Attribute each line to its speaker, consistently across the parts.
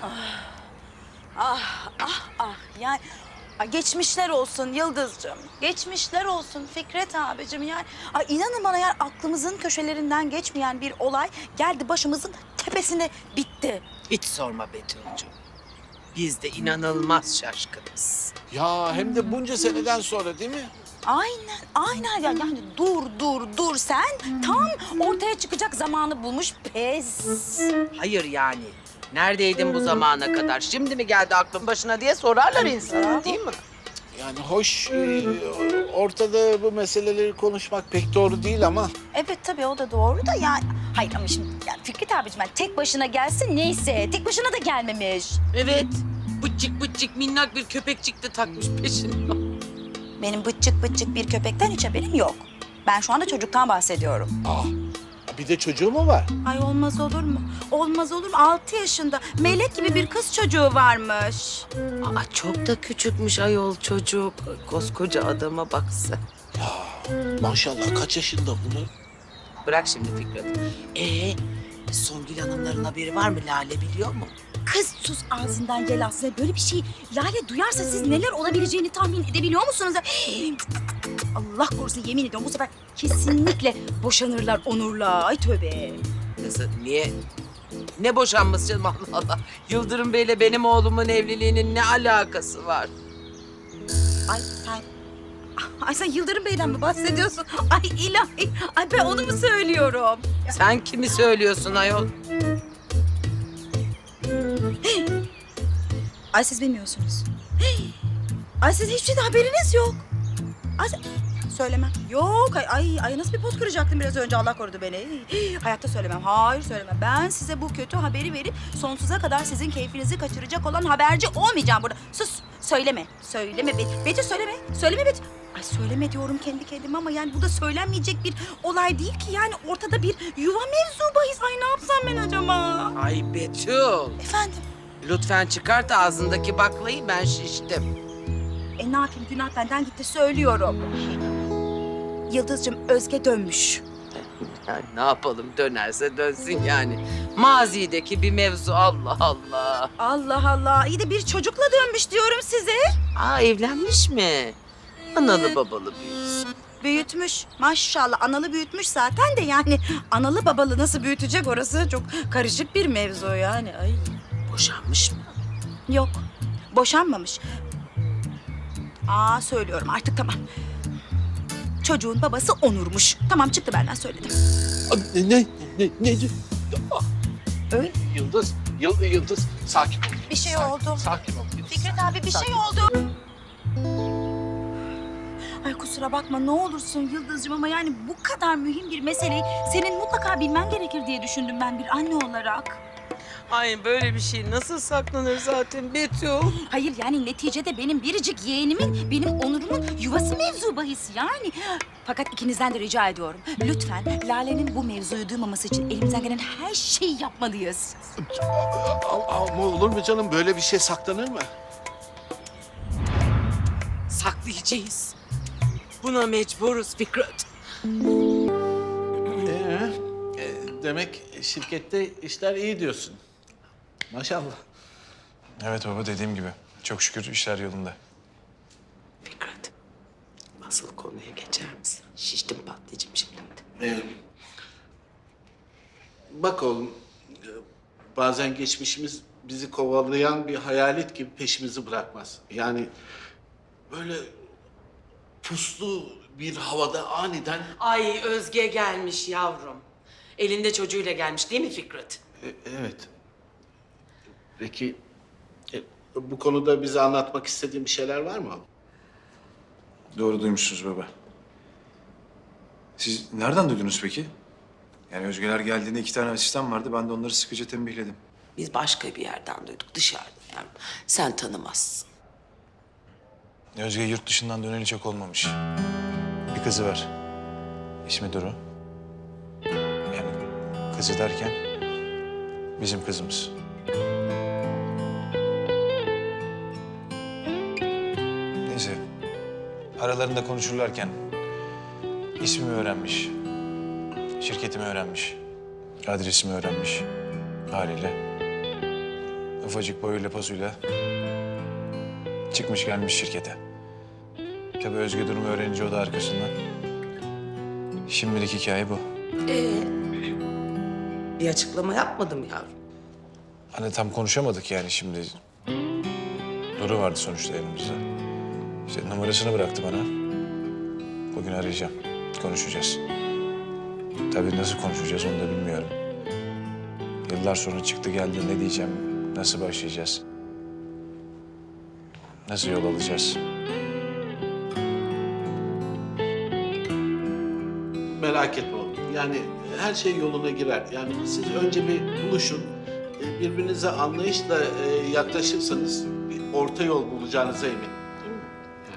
Speaker 1: Yani geçmişler olsun Yıldız'cığım. Geçmişler olsun Fikret abicim yani. İnanın bana yani aklımızın köşelerinden geçmeyen bir olay geldi başımızın tepesine bitti.
Speaker 2: Hiç sorma Betül'cüğüm. Biz de inanılmaz şaşkınız.
Speaker 3: Ya hem de bunca seneden sonra değil mi?
Speaker 1: Aynen ya yani dur sen tam ortaya çıkacak zamanı bulmuş pes.
Speaker 2: Hayır yani. Neredeydin bu zamana kadar? Şimdi mi geldi aklın başına diye sorarlar insana, değil mi?
Speaker 3: Yani hoş ortada bu meseleleri konuşmak pek doğru değil ama...
Speaker 1: Evet tabii o da doğru da yani. Hayır ama şimdi yani Fikret abicim yani tek başına gelsin neyse tek başına da gelmemiş.
Speaker 2: Evet. Bıçık minnak bir köpekçik de takmış peşine.
Speaker 1: Benim bıçık bir köpekten hiç haberim yok. Ben şu anda çocuktan bahsediyorum.
Speaker 3: Bir de çocuğu mu var?
Speaker 1: Ay olmaz olur mu? Olmaz olur mu? 6 yaşında melek gibi bir kız çocuğu varmış.
Speaker 2: Çok da küçükmüş ayol çocuk. Koskoca adama baksa.
Speaker 3: Maşallah kaç yaşında bunu?
Speaker 2: Bırak şimdi Fikret. Songül Hanımların haberi var mı? Lale biliyor mu?
Speaker 1: Kız sus ağzından yel aslında. Böyle bir şey Lale duyarsa siz neler olabileceğini tahmin edebiliyor musunuz? Allah korusun yemin ediyorum bu sefer kesinlikle boşanırlar Onur'la. Ay tövbe.
Speaker 2: Nasıl? Niye? Ne boşanması canım Allah Allah. Yıldırım Bey'le benim oğlumun evliliğinin ne alakası var?
Speaker 1: Ay sen Yıldırım Bey'den mi bahsediyorsun? Ay ilahi. Ay ben onu mu söylüyorum?
Speaker 2: Sen kimi söylüyorsun ayol?
Speaker 1: Ay siz bilmiyorsunuz. Ay siz hiçbir şeyden haberiniz yok. Söylemem. Yok ay nasıl bir pot kıracaktım biraz önce Allah korudu beni. Hayatta söylemem. Hayır söylemem. Ben size bu kötü haberi verip sonsuza kadar sizin keyfinizi kaçıracak olan haberci olmayacağım burada. Sus söyleme. Söyleme Betül söyleme. Söyleme Betül. Ay söyleme diyorum kendi kendime ama yani bu da söylenmeyecek bir olay değil ki. Yani ortada bir yuva mevzu bahis. Ay ne yapsam ben acaba?
Speaker 2: Ay Betül.
Speaker 1: Efendim?
Speaker 2: Lütfen çıkart ağzındaki baklayı, ben şiştim.
Speaker 1: Ne yapayım günah benden gitti söylüyorum. Yıldız'cığım Özge dönmüş.
Speaker 2: Yani ne yapalım, dönerse dönsün yani. Mazideki bir mevzu, Allah Allah.
Speaker 1: Allah Allah iyi de bir çocukla dönmüş diyorum size.
Speaker 2: Evlenmiş mi? Analı babalı büyüsün.
Speaker 1: Büyütmüş maşallah analı büyütmüş zaten de yani analı babalı nasıl büyütecek orası çok karışık bir mevzu yani. Ay.
Speaker 2: Boşanmış mı?
Speaker 1: Yok boşanmamış. Söylüyorum artık tamam. Çocuğun babası Onur'muş. Tamam çıktı benden söyledim.
Speaker 3: Ne?
Speaker 1: Öyle.
Speaker 3: Yıldız sakin ol.
Speaker 1: Bir şey
Speaker 3: Sakin,
Speaker 1: oldu.
Speaker 3: Sakin ol. Yıldız.
Speaker 1: Fikret abi bir şey oldu. Ay kusura bakma ne olursun Yıldız'cığım ama yani bu kadar mühim bir meseleyi senin mutlaka bilmen gerekir diye düşündüm ben bir anne olarak.
Speaker 2: Ay böyle bir şey nasıl saklanır zaten Betül?
Speaker 1: Hayır yani neticede benim biricik yeğenimin, benim Onur'umun yuvası mevzu bahis yani. Fakat ikinizden de rica ediyorum. Lütfen Lale'nin bu mevzuyu duymaması için elimizden gelen her şeyi yapmalıyız.
Speaker 3: Ama olur mu canım böyle bir şey saklanır mı?
Speaker 2: Saklayacağız. Buna mecburuz Fikret.
Speaker 3: Demek şirkette işler iyi diyorsun. Maşallah.
Speaker 4: Evet baba dediğim gibi. Çok şükür işler yolunda.
Speaker 2: Fikret, asıl konuya geçer misin? Şiştim patlayacağım şimdi.
Speaker 3: Bak oğlum, bazen geçmişimiz bizi kovalayan bir hayalet gibi peşimizi bırakmaz. Yani böyle puslu bir havada aniden...
Speaker 2: Ay Özge gelmiş yavrum. Elinde çocuğuyla gelmiş değil mi Fikret?
Speaker 3: Evet. Peki bu konuda bize anlatmak istediğin bir şeyler var mı?
Speaker 4: Doğru duymuşsunuz baba. Siz nereden duydunuz peki? Yani Özgeler geldiğinde 2 tane asistan vardı. Ben de onları sıkıca tembihledim.
Speaker 2: Biz başka bir yerden duyduk, dışarıdan. Yani sen tanımazsın.
Speaker 4: Özge yurt dışından döneli çok olmamış. Bir kızı var. İsmi Duru. Yani kızı derken bizim kızımız. Neyse. Aralarında konuşurlarken ismimi öğrenmiş. Şirketimi öğrenmiş. Adresimi öğrenmiş. Haliyle ufacık boyuyla posuyla çıkmış gelmiş şirkete. Tabii Özge durumu öğrenince o da arkasından. Şimdilik hikaye bu.
Speaker 2: Bir açıklama yapmadım yavrum.
Speaker 4: Hani tam konuşamadık yani şimdi. Duru vardı sonuçta elimizde. İşte numarasını bıraktı bana. Bugün arayacağım. Konuşacağız. Tabii nasıl konuşacağız onu da bilmiyorum. Yıllar sonra çıktı geldi ne diyeceğim, nasıl başlayacağız? Nasıl yol alacağız?
Speaker 3: Merak etme oğlum. Yani her şey yoluna girer. Yani siz önce bir buluşun. Birbirinize anlayışla yaklaşırsanız bir orta yol bulacağınıza eminim. Değil mi? Yani.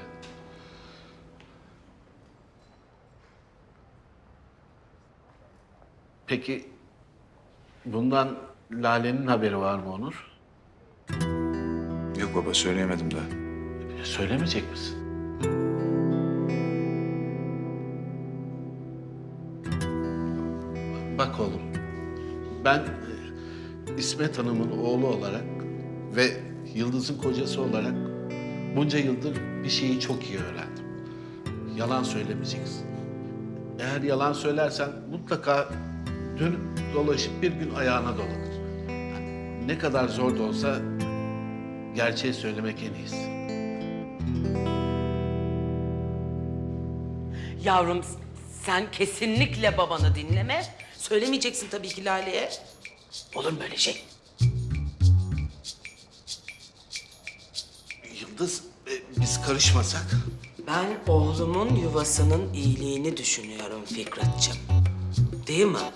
Speaker 3: Peki bundan Lale'nin haberi var mı Onur?
Speaker 4: Yok baba söyleyemedim daha.
Speaker 3: Söylemeyecek misin? Bak oğlum, ben İsmet Hanım'ın oğlu olarak ve Yıldız'ın kocası olarak bunca yıldır bir şeyi çok iyi öğrendim. Yalan söylemeyeceksin. Eğer yalan söylersen mutlaka dönüp dolaşıp bir gün ayağına dolanır. Yani ne kadar zor da olsa gerçeği söylemek en iyisi.
Speaker 2: Yavrum sen kesinlikle babanı dinleme. Söylemeyeceksin tabii ki Lale'ye. Olur mu böyle şey?
Speaker 3: Yıldız, biz karışmasak?
Speaker 2: Ben oğlumun yuvasının iyiliğini düşünüyorum Fikretciğim. Değil mi?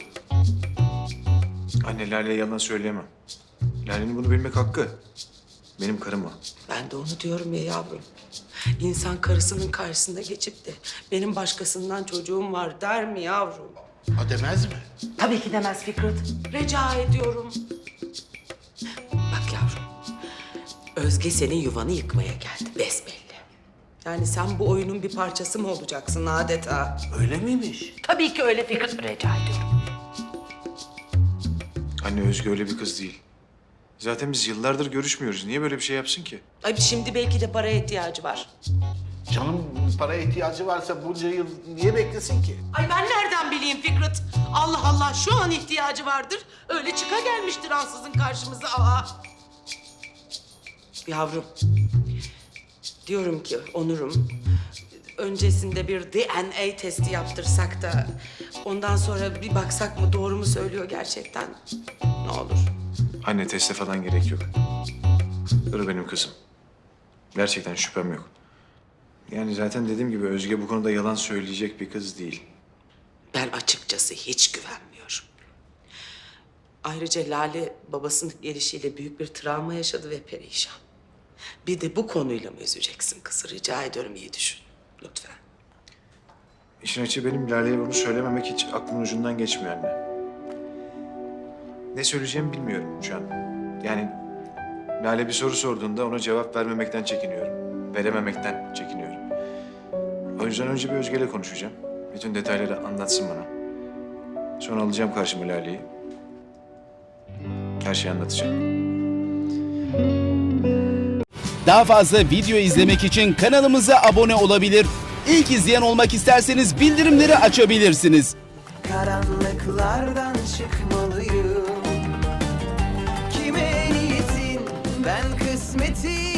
Speaker 4: Anne Lale'ye yalan söyleyemem. Lale'nin bunu bilmek hakkı. Benim karım o.
Speaker 2: Ben de onu diyorum ya yavrum. İnsan karısının karşısında geçip de benim başkasından çocuğum var der mi yavrum?
Speaker 3: Ha demez mi?
Speaker 2: Tabii ki demez Fikret. Rica ediyorum. Bak yavrum. Özge senin yuvanı yıkmaya geldi besbelli. Yani sen bu oyunun bir parçası mı olacaksın adeta?
Speaker 3: Öyle miymiş?
Speaker 2: Tabii ki öyle Fikret. Rica ediyorum.
Speaker 4: Anne Özge öyle bir kız değil. Zaten biz yıllardır görüşmüyoruz. Niye böyle bir şey yapsın ki?
Speaker 2: Ay şimdi belki de paraya ihtiyacı var.
Speaker 3: Canım paraya ihtiyacı varsa bunca yıl niye beklesin ki?
Speaker 2: Ay ben nereden bileyim Fikret? Allah Allah şu an ihtiyacı vardır. Öyle çıka gelmiştir ansızın karşımıza. Aa. Yavrum. Diyorum ki Onur'um. Öncesinde bir DNA testi yaptırsak da ondan sonra bir baksak mı doğru mu söylüyor gerçekten? Ne olur.
Speaker 4: Anne teste falan gerek yok. Duru benim kızım. Gerçekten şüphem yok. Yani zaten dediğim gibi Özge bu konuda yalan söyleyecek bir kız değil.
Speaker 2: Ben açıkçası hiç güvenmiyorum. Ayrıca Lale babasının gelişiyle büyük bir travma yaşadı ve perişan. Bir de bu konuyla mı üzeceksin kızı? Rica ediyorum iyi düşün. Lütfen.
Speaker 4: İşin açığı benim Lale'ye bunu söylememek hiç aklımın ucundan geçmiyor anne. Ne söyleyeceğimi bilmiyorum şu an. Yani Lale bir soru sorduğunda ona cevap vermemekten çekiniyorum. Verememekten çekiniyorum. O yüzden önce bir Özge'yle konuşacağım. Bütün detayları anlatsın bana. Sonra alacağım karşıma Lale'yi. Her şeyi anlatacağım.
Speaker 5: Daha fazla video izlemek için kanalımıza abone olabilir. İlk izleyen olmak isterseniz bildirimleri açabilirsiniz.
Speaker 6: Karanlıklardan çıkmalıyım. Kime niyetin ben kısmetin